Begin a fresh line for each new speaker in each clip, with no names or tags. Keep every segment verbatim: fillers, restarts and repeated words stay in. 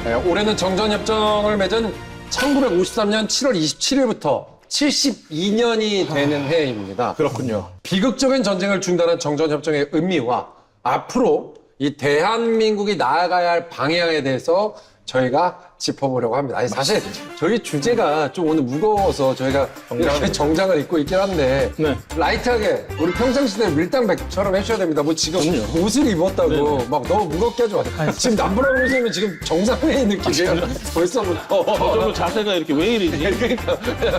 네, 올해는 정전협정을 맺은 천구백오십삼 년 칠월 이십칠일부터 칠십이 년이 되는 해입니다.
그렇군요.
비극적인 전쟁을 중단한 정전협정의 의미와 앞으로 이 대한민국이 나아가야 할 방향에 대해서 저희가 짚어보려고 합니다. 아니, 사실 저희 주제가 좀 오늘 무거워서 저희가 이렇게 정장을 입고 있긴 한데
네.
라이트하게 우리 평상시대 밀당백처럼 해주셔야 됩니다. 뭐 지금 옷을 입었다고 막 너무 무겁게 하지 마세요. 지금 남부랑 보시면 지금 정상회의 느낌이에요. 벌써부터.
저도 자세가 이렇게 왜 이러지?
그러니까.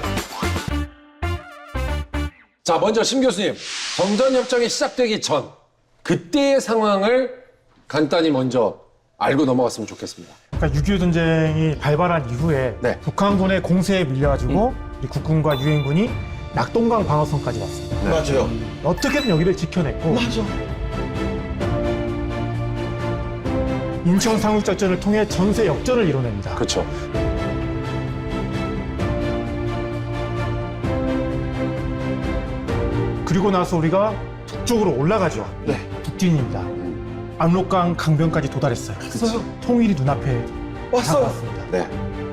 자, 먼저 심 교수님. 정전협정이 시작되기 전 그때의 상황을 간단히 먼저 알고 넘어갔으면 좋겠습니다.
그러니까 육이오 전쟁이 발발한 이후에
네.
북한군의 공세에 밀려가지고 이 국군과 유엔군이 낙동강 방어선까지 왔습니다.
맞아요.
어떻게든 여기를 지켜냈고
맞아.
인천 상륙작전을 통해 전세 역전을 이뤄냅니다.
그렇죠.
그리고 나서 우리가 북쪽으로 올라가죠.
네.
북진입니다. 압록강 강변까지 도달했어요.
왔어요.
통일이 눈앞에
왔어요.
다가왔습니다.
네.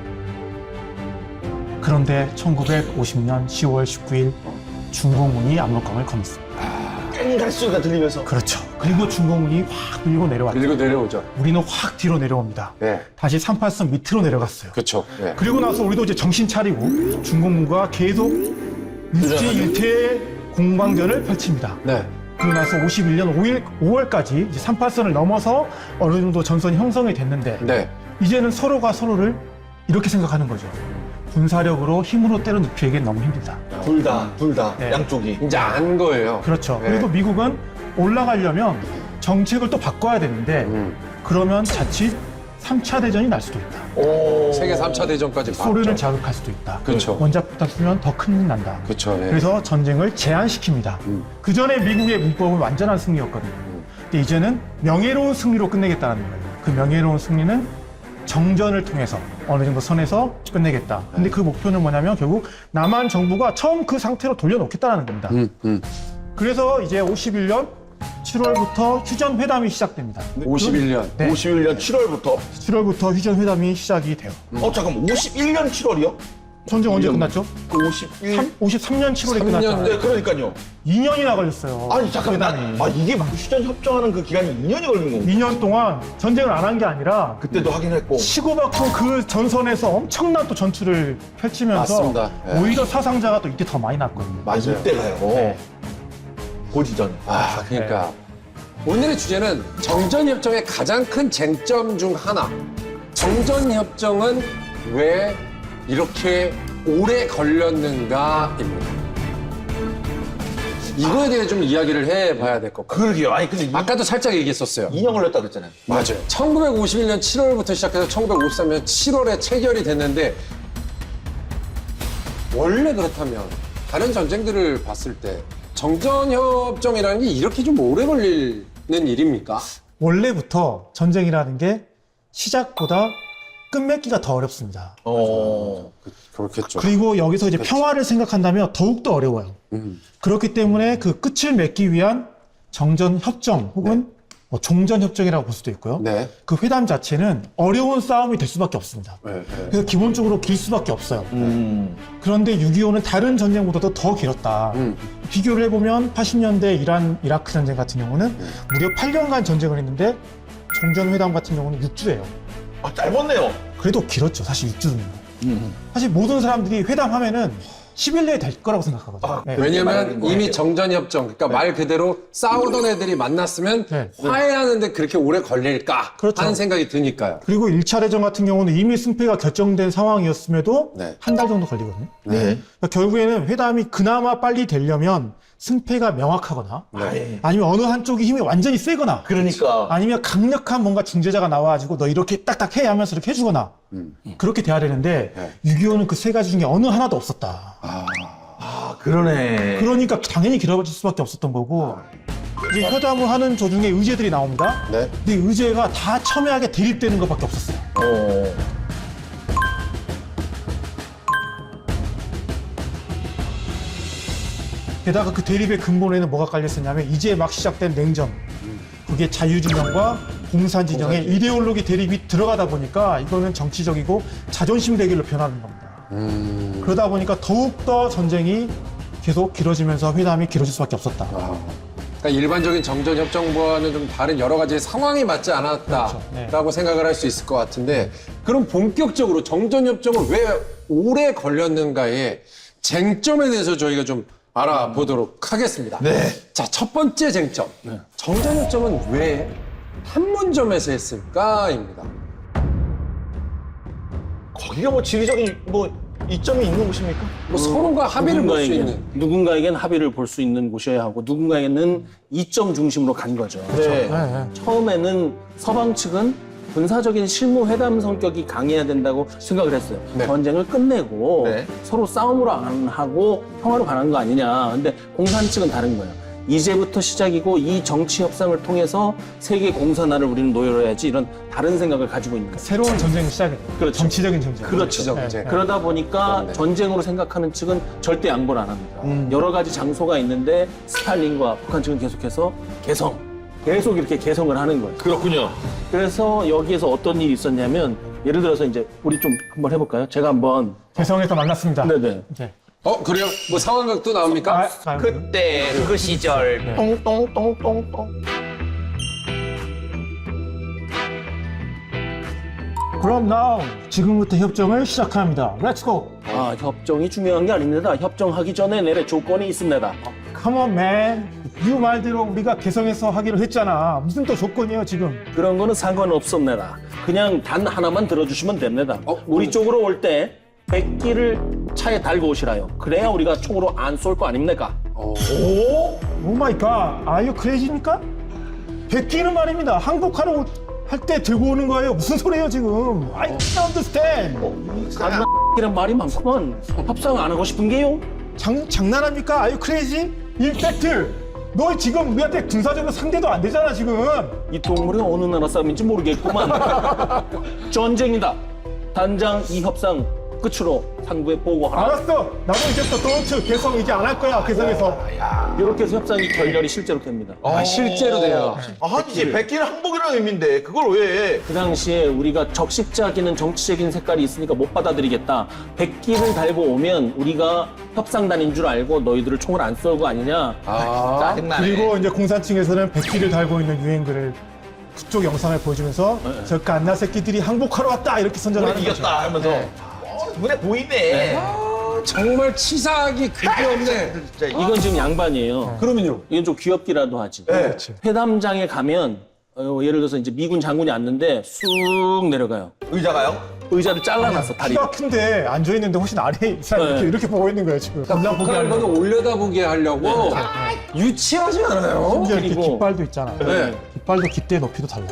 그런데 천구백오십 년 시월 십구일 중공군이 압록강을 건넜습니다.
땡갈수가 들리면서.
그렇죠. 그리고 중공군이 확 밀고 내려왔죠.
밀고 내려오죠.
우리는 확 뒤로 내려옵니다.
네.
다시 삼팔선 밑으로 내려갔어요.
그렇죠. 네.
그리고 나서 우리도 이제 정신 차리고 중공군과 계속 일제일퇴 공방전을 펼칩니다.
네.
그리고 나서 오십일 년 오일, 오월까지 이제 삼팔선을 넘어서 어느 정도 전선이 형성이 됐는데
네.
이제는 서로가 서로를 이렇게 생각하는 거죠. 군사력으로 힘으로 때려 눕히기엔 너무 힘들다.
둘 다, 둘 다,
네.
양쪽이.
이제 안 거예요.
그렇죠.
네.
그리고 미국은 올라가려면 정책을 또 바꿔야 되는데
음.
그러면 자칫 삼 차 대전이 날 수도 있다.
오.
세계 삼 차 대전까지
소련을
봤죠.
자극할 수도 있다.
그렇죠.
원자 폭탄 쓰면 더 큰일 난다.
그렇죠. 네.
그래서 전쟁을 제한시킵니다.
음.
그 전에 미국의 문법은 완전한 승리였거든요. 근데 이제는 명예로운 승리로 끝내겠다는 거예요. 그 명예로운 승리는 정전을 통해서 어느 정도 선에서 끝내겠다. 근데 그 목표는 뭐냐면 결국 남한 정부가 처음 그 상태로 돌려놓겠다는 겁니다.
음, 음.
그래서 이제 오십일 년 칠월부터 휴전 회담이 시작됩니다.
오십일 년.
네.
오십일 년 칠월부터.
칠월부터 휴전 회담이 시작이 돼요.
어, 잠깐만. 오십일 년 칠월이요?
전쟁 언제
일 년.
끝났죠?
오십일.
삼- 오십삼 년 칠월에
삼 년,
끝났잖아요.
네, 그러니까요.
이 년이나 걸렸어요.
아니, 잠깐만.
회담이.
나, 아, 이게 막 휴전 협정하는 그 기간이 이 년이 걸린 거고.
이 년 동안 전쟁을 안 한 게 아니라
그때도 하긴 했고.
치고받고 그 전선에서 엄청난 또 전투를 펼치면서
맞습니다. 예.
오히려 사상자가 또 이때 더 많이 났거든요.
아, 이때가요.
네.
고지전.
아, 그러니까. 오늘의 주제는 정전협정의 가장 큰 쟁점 중 하나. 정전협정은 왜 이렇게 오래 걸렸는가입니다. 이거에 대해 좀 이야기를 해봐야 될 것 같아요.
그러게요. 아니, 근데 이,
아까도 살짝 얘기했었어요.
이 년 걸렸다 그랬잖아요.
맞아요. 천구백오십일 년 칠월부터 시작해서 천구백오십삼 년 칠월에 체결이 됐는데 원래 그렇다면 다른 전쟁들을 봤을 때 정전협정이라는 게 이렇게 좀 오래 걸리는 일입니까?
원래부터 전쟁이라는 게 시작보다 끝맺기가 더 어렵습니다.
어.
그렇겠죠.
그리고 여기서 이제 평화를 생각한다면 더욱더 어려워요.
음.
그렇기 때문에 그 끝을 맺기 위한 정전협정 혹은 뭐 종전협정이라고 볼 수도 있고요.
네.
그 회담 자체는 어려운 싸움이 될 수밖에 없습니다.
네, 네.
그래서 기본적으로 길 수밖에 없어요.
음.
그런데 육이오는 다른 전쟁보다도 더 길었다.
음.
비교를 해보면 팔십 년대 이란, 이라크 전쟁 같은 경우는 무려 팔 년간 전쟁을 했는데 종전회담 같은 경우는 육 주예요.
아, 짧았네요.
그래도 길었죠. 사실 육 주는.
음.
사실 모든 사람들이 회담하면은 십 일 내에 될 거라고 생각하거든요.
아,
네.
왜냐면
말하는 거
이미
같아요.
정전협정, 그러니까 말 그대로 싸우던 애들이 만났으면
네.
화해하는데 그렇게 오래 걸릴까
그렇죠.
하는 생각이 드니까요.
그리고 일 차 대전 같은 경우는 이미 승패가 결정된 상황이었음에도
네.
한 달 정도 걸리거든요.
네.
그러니까 결국에는 회담이 그나마 빨리 되려면 승패가 명확하거나
네.
아니면 어느 한쪽이 힘이 완전히 세거나
그러니까.
아니면 강력한 뭔가 중재자가 나와가지고 너 이렇게 딱딱 해 하면서 이렇게 해주거나
음.
그렇게 돼야 되는데
네.
육이오는 그 세 가지 중에 어느 하나도 없었다.
아, 그러네.
그러니까 당연히 길어질 수밖에 없었던 거고 이제 회담을 하는 도중에 의제들이 나옵니다.
네.
근데 의제가 다 첨예하게 대립되는 것밖에 없었어요.
어.
게다가 그 대립의 근본에는 뭐가 깔려 있었냐면 이제 막 시작된 냉전 그게 자유진영과 공산진영의
공산주의.
이데올로기 대립이 들어가다 보니까 이거는 정치적이고 자존심 대결로 변하는 겁니다.
음.
그러다 보니까 더욱더 전쟁이 계속 길어지면서 회담이 길어질 수밖에 없었다.
아. 그러니까 일반적인 정전협정과는 좀 다른 여러 가지 상황이 맞지 않았다라고
그렇죠. 네.
생각을 할 수 있을 것 같은데 그럼 본격적으로 정전협정은 왜 오래 걸렸는가의 쟁점에 대해서 저희가 좀 알아보도록 하겠습니다.
네.
자, 첫 번째 쟁점. 정전협정은 왜 판문점에서 했을까입니다.
거기가 뭐 지리적인 뭐 이점이 있는 곳입니까?
뭐 서로가 합의를 볼 수
누군가에겐,
있는.
누군가에겐 합의를 볼 수 있는 곳이어야 하고 누군가에게는 이점 중심으로 간 거죠.
네.
네, 네.
처음에는 서방 측은 군사적인 실무 회담 성격이 강해야 된다고 생각을 했어요.
네.
전쟁을 끝내고
네.
서로 싸움으로 안 하고 평화로 가는 거 아니냐. 근데 공산 측은 다른 거예요. 이제부터 시작이고 이 정치 협상을 통해서 세계 공산화를 우리는 노려야지 이런 다른 생각을 가지고 있는 거예요.
새로운 전쟁이 시작이
그렇죠.
정치적인 전쟁.
그렇죠.
정쟁.
네.
그러다 보니까
그렇네.
전쟁으로 생각하는 측은 절대 양보를 안 합니다.
음.
여러 가지 장소가 있는데 스탈린과 북한 측은 계속해서 개성, 계속 이렇게 개성을 하는 거예요.
그렇군요.
그래서 여기에서 어떤 일이 있었냐면 예를 들어서 이제 우리 좀 한번 해볼까요? 제가 한번
개성에서 만났습니다.
네네.
네.
어, 그래요? 뭐 상황극도 나옵니까?
아, 아,
그때 그 시절
네.
똥똥똥똥똥.
그럼 now 지금부터 협정을 시작합니다. Let's go.
아 협정이 중요한 게 아닙니다. 협정하기 전에 내래 조건이 있습니다.
Come on, man. 이 말대로 우리가 개성에서 하기로 했잖아. 무슨 또 조건이에요, 지금?
그런 거는 상관없습니다. 그냥 단 하나만 들어주시면 됩니다.
어,
우리 쪽으로 올 때 백기를 차에 달고 오시라요. 그래야 우리가 총으로 안 쏠 거 아닙니까?
어.
오?
오 마이 갓. 아유 크레이지입니까? 백기는 말입니다. 항복하러 할 때 들고 오는 거예요. 무슨 소리예요, 지금? I don't understand.
간이란 말이 많구만. 협상 안 하고 싶은 게요?
장, 장난합니까? 아유 크레이지? 인팩트. 너 지금 우리한테 군사적으로 상대도 안 되잖아, 지금.
이 동물이 어느 나라 사람인지 모르겠구만. 전쟁이다. 단장 이 협상 끝으로 상부에 보고하라.
알았어. 나도 이제부터 도트 개성 이제 안 할 거야, 개성에서.
이렇게 해서 협상이 결렬이 실제로 됩니다.
아, 실제로 돼요.
아니지, 백기는 항복이라는 의미인데 그걸 왜?
그 당시에 우리가 적십자기는 정치적인 색깔이 있으니까 못 받아들이겠다. 백기를 달고 오면 우리가 협상단인 줄 알고 너희들을 총을 안 쏘고 아니냐.
아,
짜증나네.
그리고 이제 공산층에서는 백기를 달고 있는 유행글을 그쪽 영상을 보여주면서 저 갓나 새끼들이 항복하러 왔다 이렇게 선전하는
우리
거죠.
이겼다 하면서 어, 눈에 보이네.
아, 정말 치사하기 그게 없네.
진짜 이거.
이건 지금 양반이에요.
그러면요.
이건 좀 귀엽기라도 하지.
네.
회담장에 가면 어, 예를 들어서 이제 미군 장군이 앉는데 쑥 내려가요.
의자가요?
의자를 잘라놨어 다리.
키가 큰데 앉아 있는데 훨씬 아래에 이 사람이
네.
이렇게, 이렇게 보고 있는 거예요 지금.
그러니까
보게
북한을
하려고.
거기 올려다보게 하려고 유치하지 않아요?
심지어 이렇게
그리고-
깃발도 있잖아요.
네.
깃발도 깃대 높이도 달라요.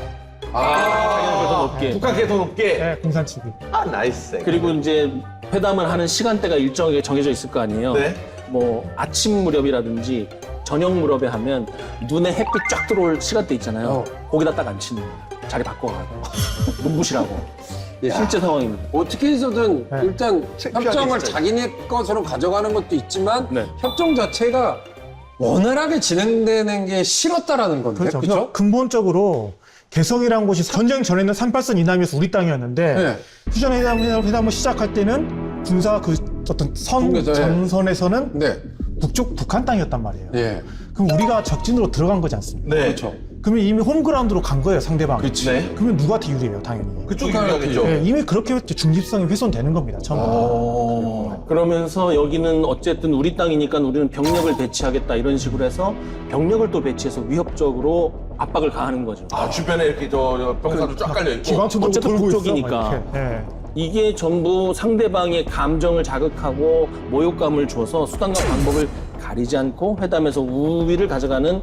아,
높게.
북한 계속 높게.
네, 공산층이.
아 나이스.
그리고 이제 회담을 하는 시간대가 일정하게 정해져 있을 거 아니에요.
네.
뭐 아침 무렵이라든지 저녁 무렵에 하면 눈에 햇빛 쫙 들어올 시간대 있잖아요. 거기다 딱 앉히는 거예요. 자리 바꿔가고 눈부시라고.
야.
실제 상황입니다.
어떻게 해서든
네.
일단
창피하게
협정을
진짜.
자기네 것으로 가져가는 것도 있지만
네.
협정 자체가 원활하게 진행되는 게 싫었다라는 건데,
그렇죠.
그렇죠?
그래서 근본적으로 개성이라는 곳이 전쟁 전에는 삼팔선 이남이어서 우리 땅이었는데
네.
휴전 회담, 회담을 시작할 때는 군사 그 어떤 선
통계죠, 예.
전선에서는
네,
북쪽 북한 땅이었단 말이에요.
예,
그럼 우리가 적진으로 들어간 거지 않습니까?
네.
그렇죠.
그러면 이미 홈그라운드로 간 거예요, 상대방이.
그치.
네.
그러면 누구한테 유리해요, 당연히.
그쪽이
북한한테
유리하겠죠.
네, 이미 그렇게 중립성이 훼손되는 겁니다, 처음부터.
어.
그러면서 여기는 어쨌든 우리 땅이니까 우리는 병력을 배치하겠다 이런 식으로 해서 병력을 또 배치해서 위협적으로 압박을 가하는 거죠.
아 주변에 이렇게 저, 저 병사도 쫙 깔려 있고.
기관총 들고
어쨌든
돌고
북쪽이니까.
있어. 막 이렇게. 네.
이게 전부 상대방의 감정을 자극하고 모욕감을 줘서 수단과 방법을 가리지 않고 회담에서 우위를 가져가는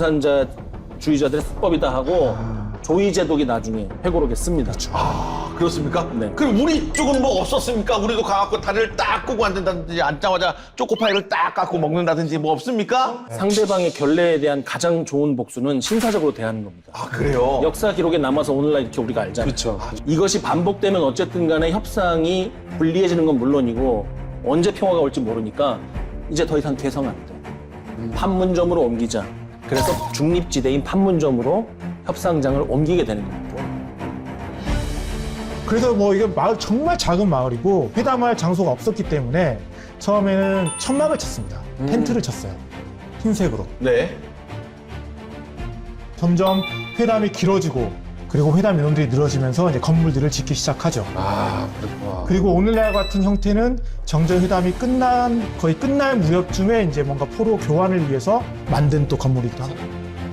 공산주의자들의 수법이다 하고 조이 제독이 나중에 회고록에 씁니다.
아 그렇습니까?
네.
그럼 우리 쪽은 뭐 없었습니까? 우리도 가갖고 다리를 딱 끄고 앉는다든지 앉자마자 초코파이를 딱 갖고 먹는다든지 뭐 없습니까?
상대방의 결례에 대한 가장 좋은 복수는 신사적으로 대하는 겁니다.
아 그래요?
역사 기록에 남아서 오늘날 이렇게 우리가 알잖아요.
그렇죠.
이것이 반복되면 어쨌든 간에 협상이 불리해지는 건 물론이고 언제 평화가 올지 모르니까 이제 더 이상 개성 안 돼. 판문점으로 옮기자. 그래서 중립지대인 판문점으로 협상장을 옮기게 되는 겁니다.
그래서 뭐 이게 마을 정말 작은 마을이고 회담할 장소가 없었기 때문에 처음에는 천막을 쳤습니다. 텐트를 쳤어요. 흰색으로.
네.
점점 회담이 길어지고 그리고 회담 인원들이 늘어지면서 이제 건물들을 짓기 시작하죠.
아, 그렇구나.
그리고 오늘날 같은 형태는 정전회담이 끝난 거의 끝날 무렵쯤에 이제 뭔가 포로 교환을 위해서 만든 또 건물이기도 합니다.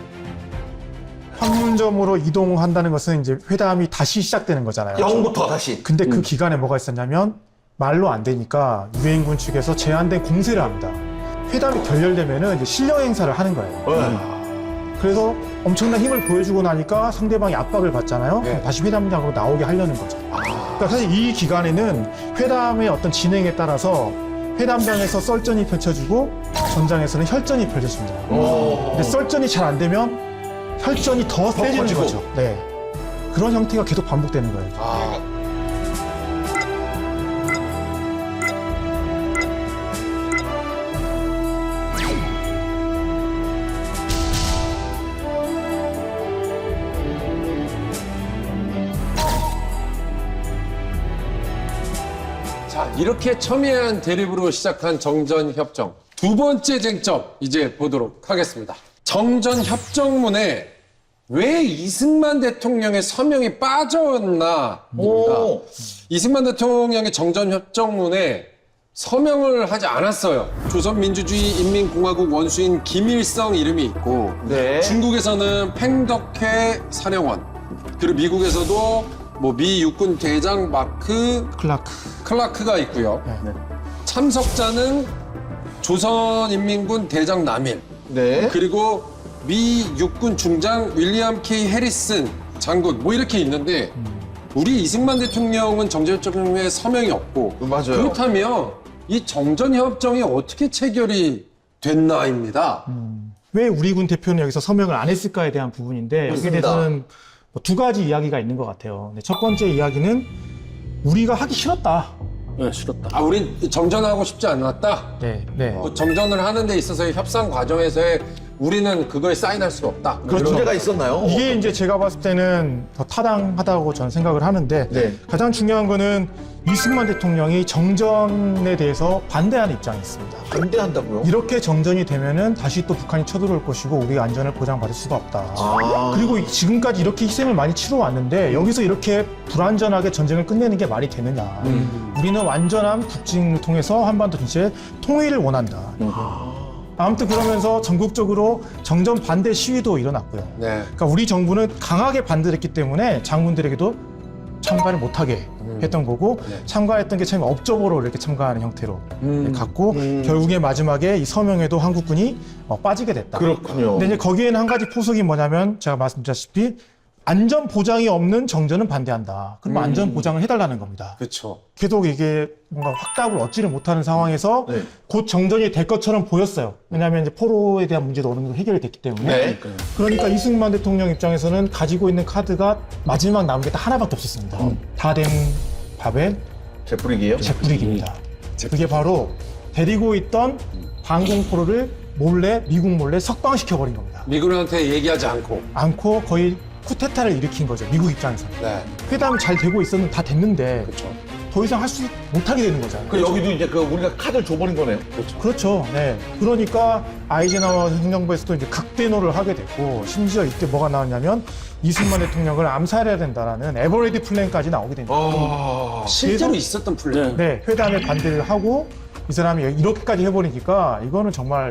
판문점으로 이동한다는 것은 이제 회담이 다시 시작되는 거잖아요.
영부터 다시.
근데 그 기간에 뭐가 있었냐면 말로 안 되니까 유엔군 측에서 제한된 공세를 합니다. 회담이 결렬되면은 이제 실력 행사를 하는 거예요.
네.
그래서 엄청난 힘을 보여주고 나니까 상대방이 압박을 받잖아요.
네.
다시 회담장으로 나오게 하려는 거죠. 그러니까 사실 이 기간에는 회담의 어떤 진행에 따라서 회담장에서 썰전이 펼쳐지고 전장에서는 혈전이 펼쳐집니다. 근데 썰전이 잘 안 되면 혈전이 더 세지는
커지고.
거죠. 네. 그런 형태가 계속 반복되는 거예요.
아, 자, 이렇게 첨예한 대립으로 시작한 정전협정. 두 번째 쟁점 이제 보도록 하겠습니다. 정전협정문에 왜 이승만 대통령의 서명이 빠졌나입니다.
오.
이승만 대통령의 정전협정문에 서명을 하지 않았어요. 조선민주주의인민공화국 원수인 김일성 이름이 있고
네.
중국에서는 팽덕회 사령원, 그리고 미국에서도 뭐 미 육군 대장 마크
클라크.
클라크가 있고요.
네.
참석자는 조선인민군 대장 남일,
네.
그리고 미 육군 중장 윌리엄 K 해리슨 장군 뭐 이렇게 있는데 우리 이승만 대통령은 정전협정에 서명이 없고
맞아요.
그렇다면 이 정전협정이 어떻게 체결이 됐나입니다.
왜 우리 군 대표는 여기서 서명을 안 했을까에 대한 부분인데 여기에
맞습니다.
대해서는 뭐두 가지 이야기가 있는 것 같아요. 근데 첫 번째 이야기는 우리가 하기 싫었다.
네, 싫었다.
아, 우린 정전하고 싶지 않았다.
네, 네.
그 정전을 하는 데 있어서의 협상 과정에서의 우리는 그거에 사인할 수가 없다.
그런 문제가 있었나요?
이게 이제 제가 봤을 때는 더 타당하다고 저는 생각을 하는데
네.
가장 중요한 거는 이승만 대통령이 정전에 대해서 반대하는 입장이 있습니다.
반대한다고요?
이렇게 정전이 되면은 다시 또 북한이 쳐들어올 것이고 우리가 안전을 보장받을 수가 없다.
아.
그리고 지금까지 이렇게 희생을 많이 치러왔는데 여기서 이렇게 불완전하게 전쟁을 끝내는 게 말이 되느냐.
음.
우리는 완전한 북진을 통해서 한반도 전체의 통일을 원한다. 아무튼 그러면서 전국적으로 정전 반대 시위도 일어났고요.
네.
그러니까 우리 정부는 강하게 반대를 했기 때문에 장군들에게도 참가를 못하게 했던 거고
네.
참가했던 게 참 업적으로 이렇게 참가하는 형태로
음.
갔고
음.
결국에 마지막에 이 서명에도 한국군이 어, 빠지게 됐다.
그렇군요.
근데 이제 거기에는 한 가지 포석이 뭐냐면 제가 말씀드렸다시피 안전 보장이 없는 정전은 반대한다. 그러면
음.
안전 보장을 해달라는 겁니다.
그렇죠.
계속 이게 뭔가 확답을 얻지를 못하는 상황에서
네.
곧 정전이 될 것처럼 보였어요. 왜냐하면 이제 포로에 대한 문제도 어느 정도 해결이 됐기 때문에.
네.
그러니까 이승만 대통령 입장에서는 가지고 있는 카드가 마지막 남은 게 딱 하나밖에 없었습니다. 다 된 밥에
재뿌리기예요?
재뿌리기입니다. 그게 바로 데리고 있던 방공포로를 몰래 미국 몰래 석방시켜버린 겁니다.
미군한테 얘기하지 않고.
않고 거의 쿠데타를 일으킨 거죠. 미국 입장에서는.
네.
회담이 잘 되고 있었는데 다 됐는데
그렇죠.
더 이상 할 수 못하게 되는 거잖아요.
그 여기도 이제 그 우리가 카드를 줘버린 거네요.
그렇죠. 네. 그러니까 아이젠하워 행정부에서도 이제 각대노를 하게 됐고 심지어 이때 뭐가 나왔냐면 이승만 대통령을 암살해야 된다라는 에버레디 플랜까지 나오게 됩니다.
아.
실제로
그래서-
있었던 플랜.
네.
네, 회담에 반대를 하고 이 사람이 이렇게까지 해버리니까 이거는 정말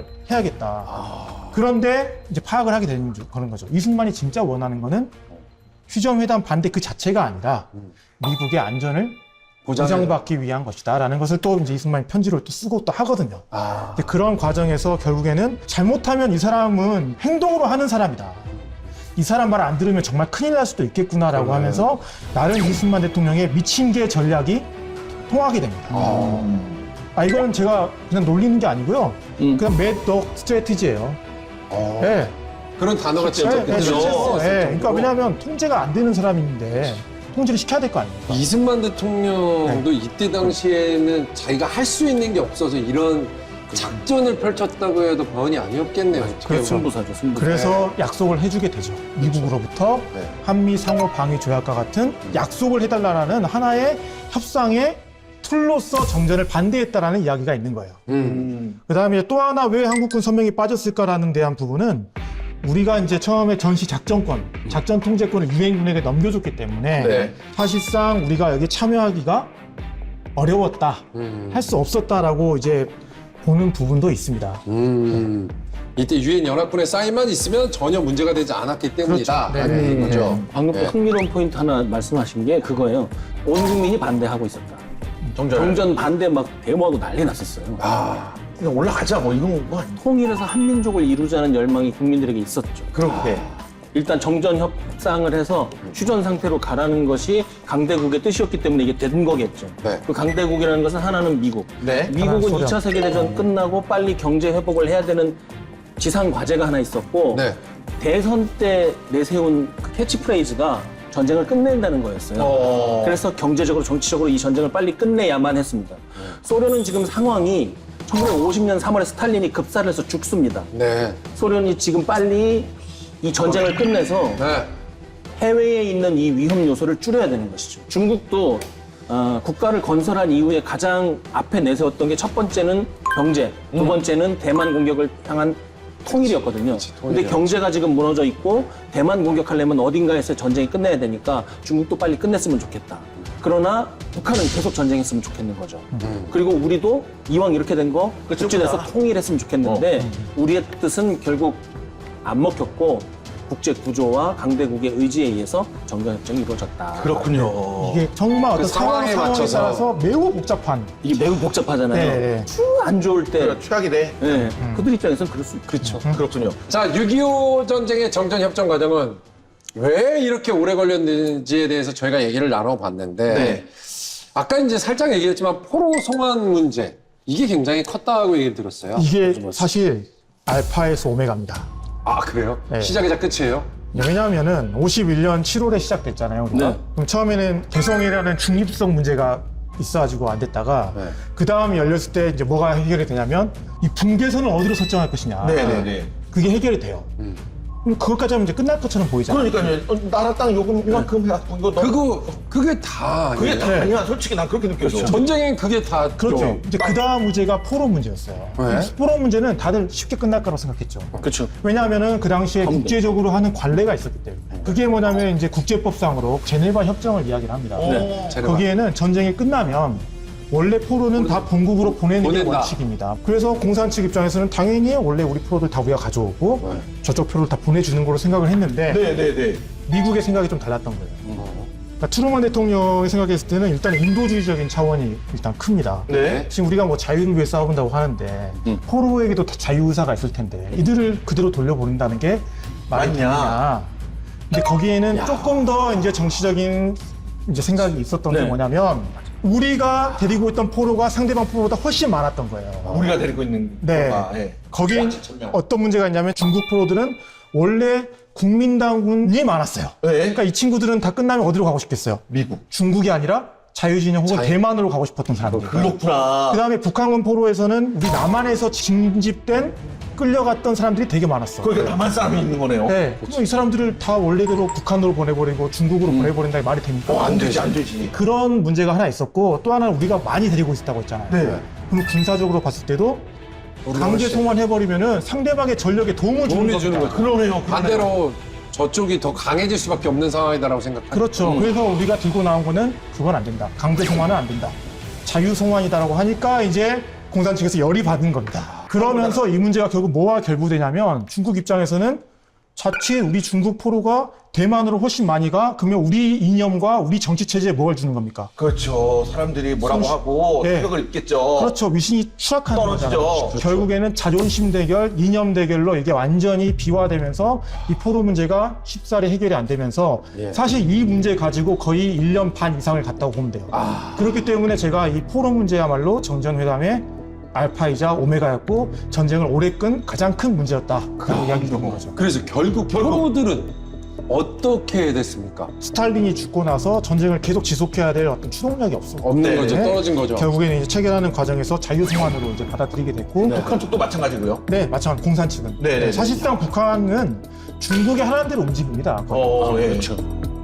해야겠다. 그런데 이제 파악을 하게 되는 거- 그런 거죠. 이승만이 진짜 원하는 거는 휴전회담 반대 그 자체가 아니라 미국의 안전을 보장받기 위한 것이다라는 것을 또 이제 이승만이 편지로 또 쓰고 또 하거든요.
아.
근데 그런 과정에서 결국에는 잘못하면 이 사람은 행동으로 하는 사람이다. 이 사람 말 안 들으면 정말 큰일 날 수도 있겠구나라고 하면서 나름 이승만 대통령의 미친 개 전략이 통하게 됩니다. 아, 이거는 제가 그냥 놀리는 게 아니고요.
음.
그냥 매덕 스트래티지예요.
어.
네.
그런 단어가 진짜
네, 네,
그때
실제로.
쓰였을
네, 그러니까
정도로.
왜냐하면 통제가 안 되는 사람인데 통제를 시켜야 될 거 아닙니까?
이승만 대통령도
네.
이때 당시에는 자기가 할 수 있는 게 없어서 이런 작전을 펼쳤다고 해도 과언이 아니었겠네요. 어떻게 보면.
승부사죠, 승부사.
그래서 약속을 해주게 되죠. 미국으로부터
네.
한미 상호 방위 조약과 같은 약속을 해달라는 하나의 협상의 툴로서 정전을 반대했다라는 이야기가 있는 거예요.
음.
그 다음에 또 하나 왜 한국군 선명이 빠졌을까라는 대한 부분은 우리가 이제 처음에 전시 작전권, 작전 통제권을 유엔군에게 넘겨줬기 때문에
네.
사실상 우리가 여기 참여하기가 어려웠다,
음.
할 수 없었다라고 이제 보는 부분도 있습니다.
음. 이때 유엔 연합군의 사인만 있으면 전혀 문제가 되지 않았기 때문이다.
그렇죠.
라는
네네.
거죠.
방금 또
네.
흥미로운 포인트 하나 말씀하신 게 그거예요. 온 국민이 반대하고 있었다.
정전.
정전 반대 막 데모하고 난리 났었어요.
아,
그냥 올라가자 뭐 이런 거.
통일해서 한민족을 이루자는 열망이 국민들에게 있었죠.
그렇게.
일단 정전 협상을 해서 휴전 상태로 가라는 것이 강대국의 뜻이었기 때문에 이게 된 거겠죠.
네.
그 강대국이라는 것은 하나는 미국.
네.
미국은
하나는
이 차 세계대전 끝나고 빨리 경제 회복을 해야 되는 지상 과제가 하나 있었고
네.
대선 때 내세운 그 캐치프레이즈가 전쟁을 끝낸다는 거였어요.
어.
그래서 경제적으로 정치적으로 이 전쟁을 빨리 끝내야만 했습니다. 소련은 지금 상황이 천구백오십 년 삼월에 스탈린이 급사를 해서 죽습니다.
네.
소련이 지금 빨리 이 전쟁을 끝내서
네.
해외에 있는 이 위험 요소를 줄여야 되는 것이죠. 중국도 어, 국가를 건설한 이후에 가장 앞에 내세웠던 게 첫 번째는 경제, 두 번째는 대만 공격을 향한 통일이었거든요. 근데 경제가 지금 무너져 있고 대만 공격하려면 어딘가에서 전쟁이 끝내야 되니까 중국도 빨리 끝냈으면 좋겠다. 그러나 북한은 계속 전쟁했으면 좋겠는 거죠. 그리고 우리도 이왕 이렇게 된 거 국제에서 통일했으면 좋겠는데 우리의 뜻은 결국 안 먹혔고 국제 구조와 강대국의 의지에 의해서 정전협정이 이루어졌다.
그렇군요.
이게 정말 어떤
그
상황,
상황에
상황에
맞춰서.
따라서 매우 복잡한.
이게 매우 복잡하잖아요.
네, 네.
안 좋을 때
그래, 최악이 돼.
네, 그들 입장에서는 그럴 수 그렇죠.
그렇군요.
자, 육이오 전쟁의 정전협정 과정은 왜 이렇게 오래 걸렸는지에 대해서 저희가 얘기를 나눠봤는데
네.
아까 이제 살짝 얘기했지만 포로 송환 문제 이게 굉장히 컸다고 얘기를 들었어요.
이게 사실 알파에서 오메가입니다.
아, 그래요?
네.
시작이자 끝이에요?
왜냐하면은 오십일 년 칠월에 시작됐잖아요. 우리가.
네.
그럼 처음에는 개성이라는 중립성 문제가 있어가지고 안 됐다가
네.
그 다음에 열렸을 때 이제 뭐가 해결이 되냐면 이 분계선을 어디로 설정할 것이냐.
네네네.
그게 해결이 돼요. 그럼 그것까지 하면 이제 끝날 것처럼 보이잖아요.
그러니까요. 어, 나라 땅 요금 이만큼 해갖고 이거 너.
그거, 그게 다.
그게
아니에요?
다
네.
아니야. 솔직히 난 그렇게 느껴져.
전쟁엔 그게 다.
그렇죠.
좀-
이제 그 다음 문제가 포로 문제였어요.
네.
포로 문제는 다들 쉽게 끝날 거라고 생각했죠.
그렇죠.
왜냐하면은 그 당시에
그럼요.
국제적으로 하는 관례가 있었기 때문에. 그게 뭐냐면 이제 국제법상으로 제네바 협정을 이야기를 합니다.
네.
제네바.
거기에는 전쟁이 끝나면 원래 포로는 다 본국으로 보내는 게
보낸다.
원칙입니다. 그래서 공산 측 입장에서는 당연히 원래 우리 포로들 다 우리가 가져오고
네.
저쪽 표를 다 보내주는 걸로 생각을 했는데
네네네.
미국의 생각이 좀 달랐던 거예요. 그러니까 트루먼 대통령이 생각했을 때는 일단 인도주의적인 차원이 일단 큽니다.
네.
지금 우리가 뭐 자유를 위해 싸운다고 하는데
음.
포로에게도 다 자유의사가 있을 텐데 이들을 그대로 돌려보낸다는 게 말이
맞냐?
되느냐. 근데 거기에는 조금 더 이제 정치적인 이제 생각이 있었던 게
네.
뭐냐면 우리가 데리고 있던 포로가 상대방 포로보다 훨씬 많았던 거예요.
우리가 데리고 있는
네.
거가, 예.
거기에
칠천 명.
어떤 문제가 있냐면 중국 포로들은 원래 국민당군이 많았어요.
네.
그러니까 이 친구들은 다 끝나면 어디로 가고 싶겠어요?
미국.
중국이 아니라 자유진영 혹은
자유-
대만으로 가고 싶었던 사람들.
그렇구나.
그 다음에 북한군 포로에서는 우리 남한에서 징집된 끌려갔던 사람들이 되게 많았어.
거기가 남한 사람이 있는 거네요.
네. 그럼 이 사람들을 다 원래대로 북한으로 보내버리고 중국으로 보내버린다 말이 됩니까?
어, 안 되지, 안 되지.
그런 문제가 하나 있었고 또 하나는 우리가 많이 데리고 있었다고 했잖아요.
네.
그럼 군사적으로 봤을 때도 강제 송환해버리면은 상대방의 전력에 도움을 주는
도움을 주는
겁니다.
거죠.
그러네요.
반대로 저쪽이 더 강해질 수밖에 없는 상황이다라고 생각합니다.
그렇죠. 그래서 우리가 들고 나온 거는 그건 안 된다. 강제 송환은 안 된다. 자유 송환이다라고 하니까 이제 공산 측에서 열이 받은 겁니다. 그러면서 이 문제가 결국 뭐와 결부되냐면 중국 입장에서는 자칫 우리 중국 포로가 대만으로 훨씬 많이 가 그러면 우리 이념과 우리 정치 체제에 뭘 주는 겁니까?
그렇죠. 사람들이 뭐라고
손-
하고
네.
타격을 입겠죠.
그렇죠. 위신이 추락하는
떨어지죠.
거잖아요.
그렇죠.
결국에는 자존심 대결, 이념 대결로 이게 완전히 비화되면서 이 포로 문제가 쉽사리 해결이 안 되면서
예.
사실 이 문제 가지고 거의 일 년 반 이상을 갔다고 보면 돼요. 그렇기 때문에 제가 이 포로 문제야말로 정전회담의 알파이자 오메가였고 전쟁을 오래 끈 가장 큰 문제였다. 그런 이야기 드는 거죠.
그래서 결국 포로들은 어떻게 됐습니까?
스탈린이 죽고 나서 전쟁을 계속 지속해야 될 어떤 추동력이 없어.
없는
네.
거죠. 떨어진 거죠.
결국에는 이제 체결하는 과정에서 자유송환으로 이제 받아들이게 됐고, 네,
북한 쪽도 마찬가지고요.
마찬가지 공산 측은.
네, 네.
사실상 북한은 중국의 하라는 대로 움직입니다.
어, 예.
그렇죠.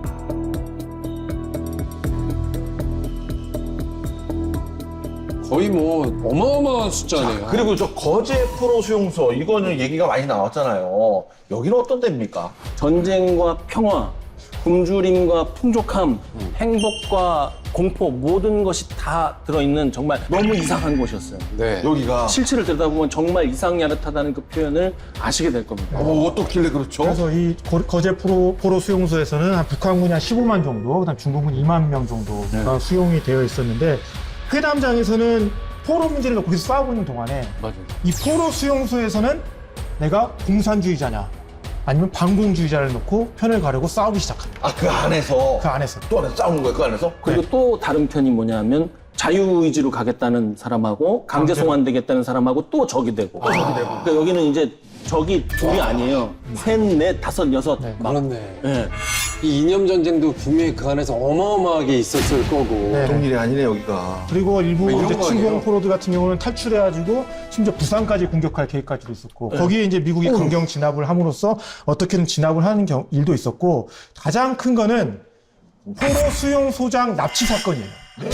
거의 뭐 어마어마한 숫자네요.
그리고 저 거제 프로 수용소 이거는 얘기가 많이 나왔잖아요. 여기는 어떤 데입니까?
전쟁과 평화, 굶주림과 풍족함, 행복과 공포 모든 것이 다 들어있는 정말 너무 이상한 곳이었어요.
네.
여기가
실체를 들여다보면 정말 이상야릇하다는 그 표현을 아시게 될 겁니다.
어, 어떻길래 그렇죠?
그래서 이 거- 거제 포로, 포로 수용소에서는 한 북한군이 한 십오만 정도, 그다음 중국군 이만 명 정도가 수용이 되어 있었는데, 회담장에서는 포로 문제를 놓고 계속 싸우고 있는 동안에
맞아요.
이 포로 수용소에서는 내가 공산주의자냐 아니면 반공주의자를 놓고 편을 가르고 싸우기 시작합니다.
아, 그 안에서
그 안에서.
또 안에서 싸우는 거예요, 그 안에서?
그리고 또 다른 편이 뭐냐면 자유의지로 가겠다는 사람하고 강제 송환되겠다는 사람하고 또 적이 되고. 또 적이 되고. 그러니까 여기는 이제 적이 둘이 아니에요. 셋, 넷, 다섯, 여섯.
네.
막.
그렇네.
예.
이 이념 전쟁도 분명히 그 안에서 어마어마하게 있었을 거고.
네.
보통 일이 아니네, 여기가.
그리고 일부
뭐 이런
이제
거 아니에요?
친공 포로들 같은 경우는 탈출해가지고 심지어 부산까지 공격할 계획까지도 있었고, 거기에 이제 미국이 강경 진압을 함으로써 어떻게든 진압을 하는 경- 일도 있었고, 가장 큰 거는 포로 수용소장 납치 사건이에요.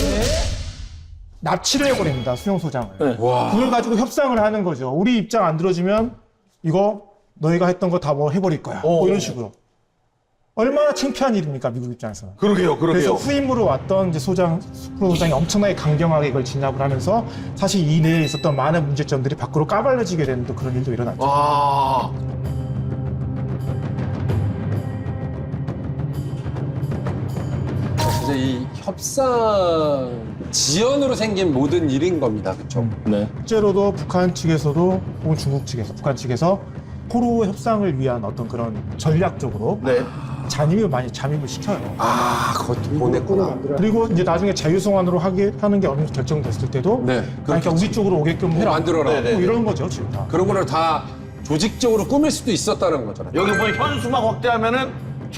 납치를 해버립니다, 수용소장을.
네.
와.
그걸 가지고 협상을 하는 거죠. 우리 입장 안 들어주면 이거 너희가 했던 거 다 뭐 해버릴 거야. 뭐 이런 식으로. 얼마나 창피한 일입니까, 미국 입장에서는.
그러게요,
그래서
그러게요.
후임으로 왔던 이제 소장, 프로 소장이 엄청나게 강경하게 이걸 진압을 하면서 사실 이 내에 있었던 많은 문제점들이 밖으로 까발려지게 되는 또 그런 일도 일어났죠.
아,
진짜 이 협상 지연으로 생긴 모든 일인 겁니다. 그렇죠?
네.
실제로도 북한 측에서도 혹은 중국 측에서, 북한 측에서 포로 협상을 위한 어떤 그런 전략적으로
네.
잠입을 많이 잠입을 시켜요.
아, 그것도 보냈구나.
그리고 이제 나중에 자유송환으로 하게 하는 게 어느 정도 결정됐을 때도
네.
그러니까 우리 쪽으로 오게끔 해라.
만들어라.
네, 네.
뭐 이런 거죠, 지금 다.
그런 거를 다 조직적으로 꾸밀 수도 있었다는 거잖아요.
여기 보면 현수막 확대하면은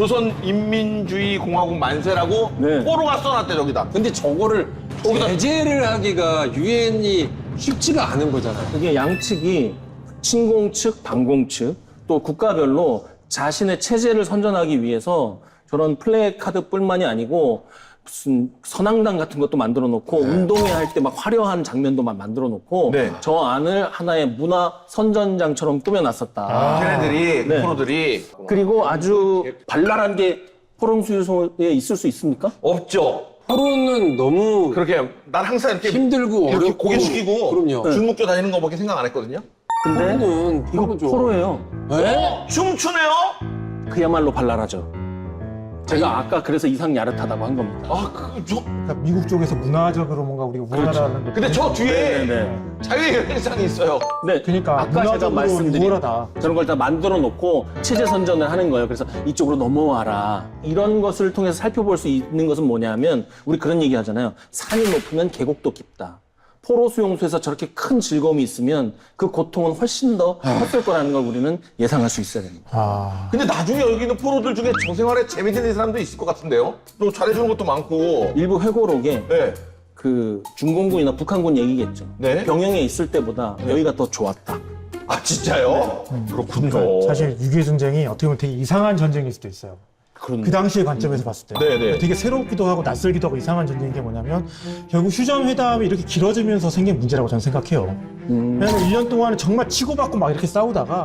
조선인민주의공화국 만세라고
네.
포로가 써놨대, 저기다.
근데 저거를
거기다-
제재를 하기가 유엔이 쉽지가 않은 거잖아요.
이게 양측이 친공 측, 반공 측, 또 국가별로 자신의 체제를 선전하기 위해서 저런 플래카드뿐만이 아니고 무슨 선앙당 같은 것도 만들어 놓고 운동회 할 때 막 화려한 장면도 막 만들어 놓고
네.
저 안을 하나의 문화 선전장처럼 꾸며놨었다.
걔네들이,
네.
포로들이.
그리고 아주 발랄한 게 포롱수유소에 있을 수 있습니까?
없죠.
포로는 너무
그렇게, 난 항상 이렇게.
힘들고
이렇게
어렵고
고개 숙이고.
그럼요.
줄 묶여 다니는 거밖에 생각 안 했거든요.
근데
포로는
이거
포로죠.
포로예요.
네?
춤추네요?
그야말로 발랄하죠. 제가 아까 그래서 이상 야릇하다고 한 겁니다.
아, 그, 저.
그러니까 미국 쪽에서 문화적으로 뭔가 우리가 우월하다는 거.
근데 저 뒤에
네네.
자유의 연상이 있어요.
네,
그러니까
아까 제가
문화적으로
말씀드린
우월하다.
저런 걸 다 만들어 놓고 체제 선전을 하는 거예요. 그래서 이쪽으로 넘어와라. 이런 것을 통해서 살펴볼 수 있는 것은 뭐냐면 우리 그런 얘기 하잖아요. 산이 높으면 계곡도 깊다. 포로 수용소에서 저렇게 큰 즐거움이 있으면 그 고통은 훨씬 더 컸을 거라는 걸 우리는 예상할 수 있어야 됩니다.
아,
근데 나중에 여기 있는 포로들 중에 저 생활에 재미있는 사람도 있을 것 같은데요? 또 잘해주는 것도 많고.
일부 회고록에
네.
그 중공군이나 북한군 얘기겠죠.
네.
병영에 있을 때보다 여기가 더 좋았다.
아, 진짜요? 그렇군요.
그러니까 사실 육이오 전쟁이 어떻게 보면 되게 이상한 전쟁일 수도 있어요.
그런
그 당시의 관점에서 봤을 때
네네.
되게 새롭기도 하고 낯설기도 하고 이상한 전쟁인 게 뭐냐면 결국 휴전 회담이 이렇게 길어지면서 생긴 문제라고 저는 생각해요.
음,
왜냐면 일 년 동안은 정말 치고받고 막 이렇게 싸우다가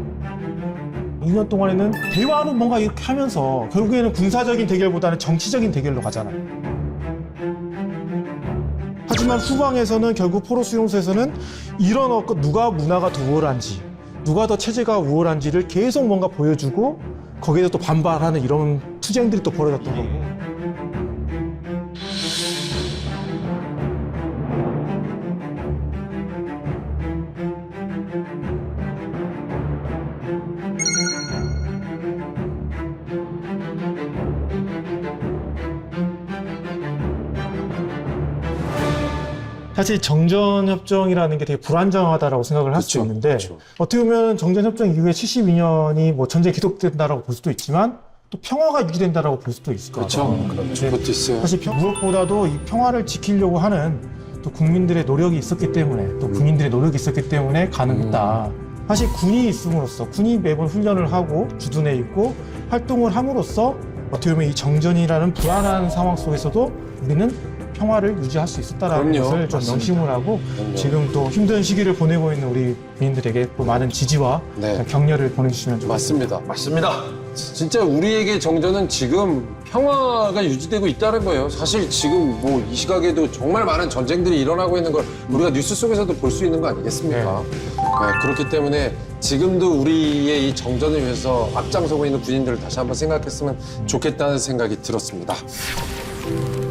이 년 동안에는 대화로 뭔가 이렇게 하면서 결국에는 군사적인 대결보다는 정치적인 대결로 가잖아요. 하지만 후방에서는 결국 포로 수용소에서는 이런 어 누가 문화가 더 우월한지 누가 더 체제가 우월한지를 계속 뭔가 보여주고 거기에서 또 반발하는 이런 투쟁들이 또 벌어졌던 거고. 사실 정전협정이라는 게 되게 불안정하다라고 생각을 할 수
그쵸,
있는데
그쵸.
어떻게 보면 정전협정 이후에 칠십이 년이 뭐 전쟁이 계속된다라고 볼 수도 있지만 또 평화가 유지된다라고 볼 수도 있을 것
그렇죠.
같아요.
그렇죠.
네.
그것도 있어요.
사실 평- 무엇보다도 이 평화를 지키려고 하는 또 국민들의 노력이 있었기 때문에 또 군인들의 노력이 있었기 때문에 가능했다. 사실 군이 있음으로써 군이 매번 훈련을 하고 주둔해 있고 활동을 함으로써 어떻게 보면 이 정전이라는 불안한 상황 속에서도 우리는 평화를 유지할 수 있었다라는
그럼요.
것을 좀
맞습니다.
명심을 하고
그럼요.
지금 또 힘든 시기를 보내고 있는 우리 국민들에게 또 많은 지지와
네.
격려를 보내주시면 좋겠습니다.
맞습니다.
맞습니다.
진짜 우리에게 정전은 지금 평화가 유지되고 있다는 거예요. 사실 지금 뭐 이 시각에도 정말 많은 전쟁들이 일어나고 있는 걸 우리가 뉴스 속에서도 볼 수 있는 거 아니겠습니까? 네, 그렇기 때문에 지금도 우리의 이 정전을 위해서 앞장서고 있는 군인들을 다시 한번 생각했으면 좋겠다는 생각이 들었습니다.